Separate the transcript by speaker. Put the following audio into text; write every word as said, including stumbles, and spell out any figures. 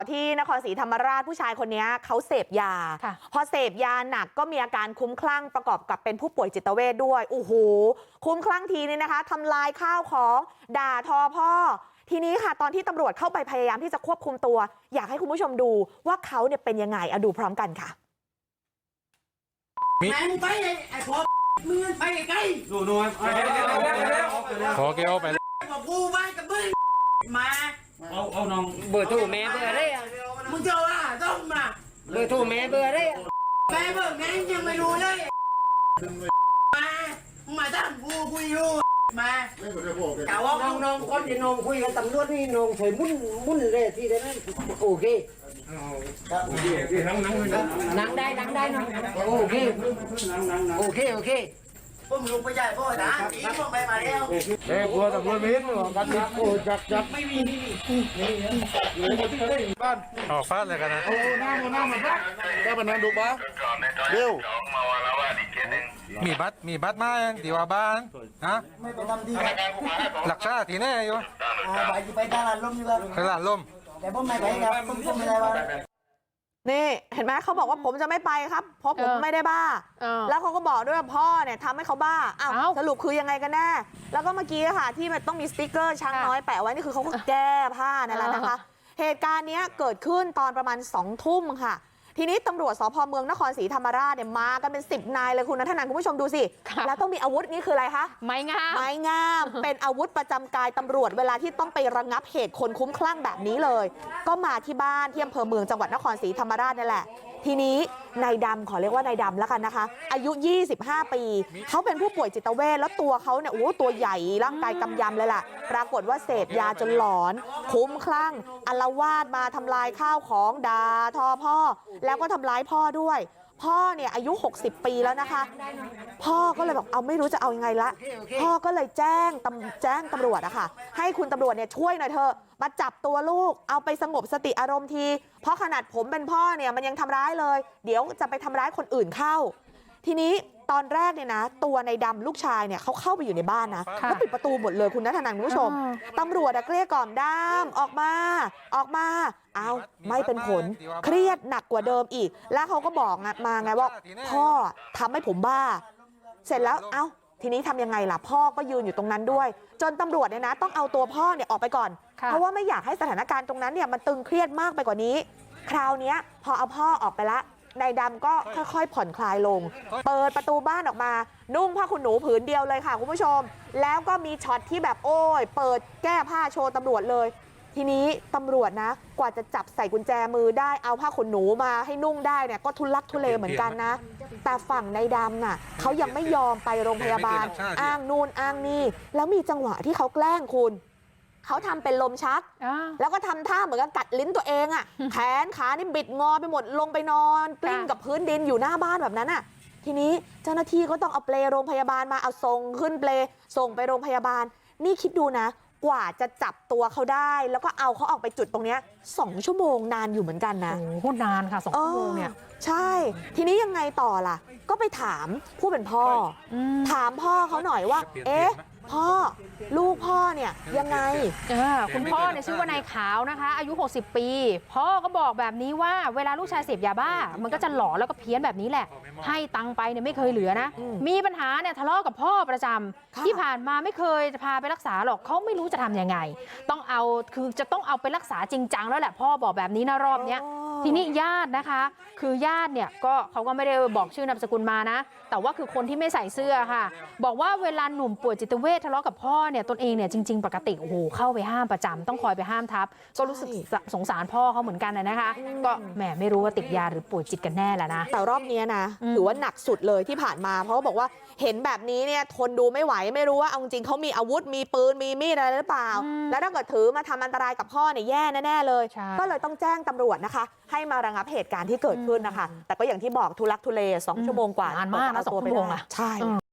Speaker 1: ที่นครศรีธรรมราชผู้ชายคนนี้เขาเสพยาพอเสพยาหนักก็มีอาการคุ้มคลั่งประกอบกับเป็นผู้ป่วยจิตเวชด้วยโอ้โหคุ้มคลั่งทีนี้นะคะทำลายข้าวของด่าทอพ่อทีนี้ค่ะตอนที่ตำรวจเข้าไปพยายามที่จะควบคุมตัวอยากให้คุณผู้ชมดูว่าเขาเนี่ยเป็นยังไงเอาดูพร้อมกันค่ะ
Speaker 2: แม่งไปไอ้พอมึงไปไกลดูดู
Speaker 3: ขอเกี่ยวไป
Speaker 2: บอกกูไปกับมึงมา
Speaker 4: เอาเอาน้องเบอร์โทรแม่เบอร์อะไรอ่ะ
Speaker 2: มึงจะว่าต้องมา
Speaker 4: เบอร์โทรแม่เบอร์อะไรอ่ะ
Speaker 2: แม่เบอร์แม่ยังไม่รู้เลยมามาตั้งกูคุยอยู่มา
Speaker 4: แต่ว่าน้องน้องคนที่น้องคุยกับตำรวจนี่น้องช่วยมุ่นมุ่นเลยที่ได้นั่นโอเคนั่งนั่งนั่งได้นั่งได้น้องโอเคโอเคโอเค
Speaker 2: ผมลุงไปใหญ่พ่อนะทีผมไปมาแล้ว
Speaker 3: เอ้กลัวตำรวจมีนกันดิโอ้จับจับ
Speaker 2: ไม่มี
Speaker 3: บ้านอ๋อฟาดเลยกันนะ
Speaker 2: โอ้น้าน้ามาพัก
Speaker 3: แค่ปนันดูบ้าเร็วมีบัตรมีบัตรมาเองดีว่าบ้านฮะ
Speaker 2: ไม่ไปทำดี
Speaker 3: หลักชาติแน่อยู่
Speaker 2: ไปไปตลาดลมอยู่ครับ
Speaker 3: ตลาดลม
Speaker 2: แต่ผมไม่ไปครับผมผมไม่ได้ว่า
Speaker 1: นี่เห็นไหมเขาบอกว่าผมจะไม่ไปครับเพราะผมไม่ได้บ้าแล้วเขาก็บอกด้วยว่าพ่อเนี่ยทำให้เขาบ้าอ้าวสรุปคือยังไงกันแน่แล้วก็เมื่อกี้ค่ะที่มันต้องมีสติ๊กเกอร์ช้างน้อยแปะไว้นี่คือเขาก็แก้ผ้านั่นแหละนะคะเหตุการณ์นี้เกิดขึ้นตอนประมาณสองทุ่มค่ะทีนี้ตำรวจสพเมืองนครศรีธรรมราชเนี่ยมากันเป็นสิบนายเลยคุณณัฐนันท์คุณผู้ชมดูสิแล้วต้องมีอาวุธนี่คืออะไรคะ
Speaker 5: ไม้งาม
Speaker 1: ไม้งามเป็นอาวุธประจำกายตำรวจเวลาที่ต้องไประงับเหตุคนคุ้มคลั่งแบบนี้เลยก็มาที่บ้านที่อำเภอเมืองจังหวัดนครศรีธรรมราชนี่แหละทีนี้นายดำขอเรียกว่านายดำแล้วกันนะคะอายุยี่สิบห้าปีเขาเป็นผู้ป่วยจิตเวชแล้วตัวเขาเนี่ยโอ้ตัวใหญ่ร่างกายกำยำเลยล่ะปรากฏว่าเสพยาจนหลอนคุ้มคลั่งอาละวาดมาทำลายข้าวของด่าทอพ่อแล้วก็ทำร้ายพ่อด้วยพ่อเนี่ยอายุหกสิบปีแล้วนะคะพ่อก็เลยบอกเอาไม่รู้จะเอายังไงละพ่อก็เลยแจ้งตำแจ้งตำรวจอะค่ะให้คุณตำรวจเนี่ยช่วยหน่อยเถอะมาจับตัวลูกเอาไปสงบสติอารมณ์ทีเพราะขนาดผมเป็นพ่อเนี่ยมันยังทำร้ายเลยเดี๋ยวจะไปทำร้ายคนอื่นเข้าทีนี้ตอนแรกเนี่ยนะตัวในดำลูกชายเนี่ยเขาเข้าไปอยู่ในบ้านนะเขาปิดประตูหมดเลยคุณณัฐนันท์คุณผู้ชมตำรวจเกลี้ยกล่อมดำออกมาออกมาเอาไม่เป็นผลเครียดหนักกว่าเดิมอีกแล้วเขาก็บอกมาไงว่าพ่อทำให้ผมบ้าเสร็จแล้วเอ้าทีนี้ทำยังไงล่ะพ่อก็ยืนอยู่ตรงนั้นด้วยจนตำรวจเนี่ยนะต้องเอาตัวพ่อเนี่ยออกไปก่อนเพราะว่าไม่อยากให้สถานการณ์ตรงนั้นเนี่ยมันตึงเครียดมากไปกว่านี้คราวนี้พอเอาพ่อออกไปละนายดำก็ค่อยๆผ่อนคลายลงเปิดประตูบ้านออกมานุ่งผ้าขนหนูผืนเดียวเลยค่ะคุณผู้ชมแล้วก็มีช็อตที่แบบโอ้ยเปิดแก้ผ้าโชว์ตำรวจเลยทีนี้ตำรวจนะกว่าจะจับใส่กุญแจมือได้เอาผ้าขนหนูมาให้นุ่งได้เนี่ยก็ทุลักทุเลเหมือนกันนะแต่ฝั่งนายดำน่ะเขายังไม่ยอมไปโรงพยาบาลอ้างนู่นอ้างนี่แล้วมีจังหวะที่เขาแกล้งคุณเขาทำเป็นลมชักแล้วก็ทำท่าเหมือนกับกัดลิ้นตัวเองอ่ะแขนขานี่บิดงอไปหมดลงไปนอนกลิ้งกับพื้นดินอยู่หน้าบ้านแบบนั้นอ่ะทีนี้เจ้าหน้าที่ก็ต้องเอาเปลโรงพยาบาลมาเอาส่งขึ้นเปลส่งไปโรงพยาบาลนี่คิดดูนะกว่าจะจับตัวเขาได้แล้วก็เอาเขาออกไปจุดตรงนี้สองชั่วโมงนานอยู่เหมือนกันนะ
Speaker 5: โอ้โหนานค่ะสองชั่วโมงเนี่ย
Speaker 1: ใช่ทีนี้ยังไงต่อล่ะก็ไปถามผู้เป็นพ่อถามพ่อเขาหน่อยว่าเอ๊ะพ่อลูกพ่อเนี่ยยังไง
Speaker 5: คุณพ่อเนี่ยชื่อว่านายขาวนะคะอายุหกสิบปีพ่อก็บอกแบบนี้ว่าเวลาลูกชายเสพยาบ้ามันก็จะหลอนแล้วก็เพี้ยนแบบนี้แหละให้ตังไปเนี่ยไม่เคยเหลือนะมีปัญหาเนี่ยทะเลาะกับพ่อประจำที่ผ่านมาไม่เคยจะพาไปรักษาหรอกเขาไม่รู้จะทำยังไงต้องเอาคือจะต้องเอาไปรักษาจริงจังแล้วแหละพ่อบอกแบบนี้นะรอบเนี้ยทีนี้ญาตินะคะคือญาติเนี่ยก็เขาก็ไม่ได้บอกชื่อนามสกุลมานะแต่ว่าคือคนที่ไม่ใส่เสื้อค่ะบอกว่าเวลาหนุ่มป่วยจิตเวชทะเลาะกับพ่อเนี่ยตนเองเนี่ยจริงๆปกติโอ้โหเข้าไปห้ามประจำต้องคอยไปห้ามทับก็รู้สึกสงสารพ่อเขาเหมือนกันนะคะก็แหมไม่รู้ว่าติดยาหรือป่วยจิตกันแน่แหละนะ
Speaker 1: แต่รอบนี้นะถือว่าหนักสุดเลยที่ผ่านมาเพราะบอกว่าเห็นแบบนี้เนี่ยทนดูไม่ไหวไม่รู้ว่าเอาจริงเขามีอาวุธมีปืนมีมีดอะไรหรือเปล่าแล้วถ้าเกิดถือมาทำอันตรายกับพ่อเนี่ยแย่แน่ๆเลยก็เลยต้องแจ้งตำรวจนะคะให้มาระงับเหตุการณ์ที่เกิดขึ้นนะคะแต่ก็อย่างที่บอกทุลักทุเลสองชั่วโมงกว่านาน
Speaker 5: มากนะสองชั่วโมงอะ
Speaker 1: ใช่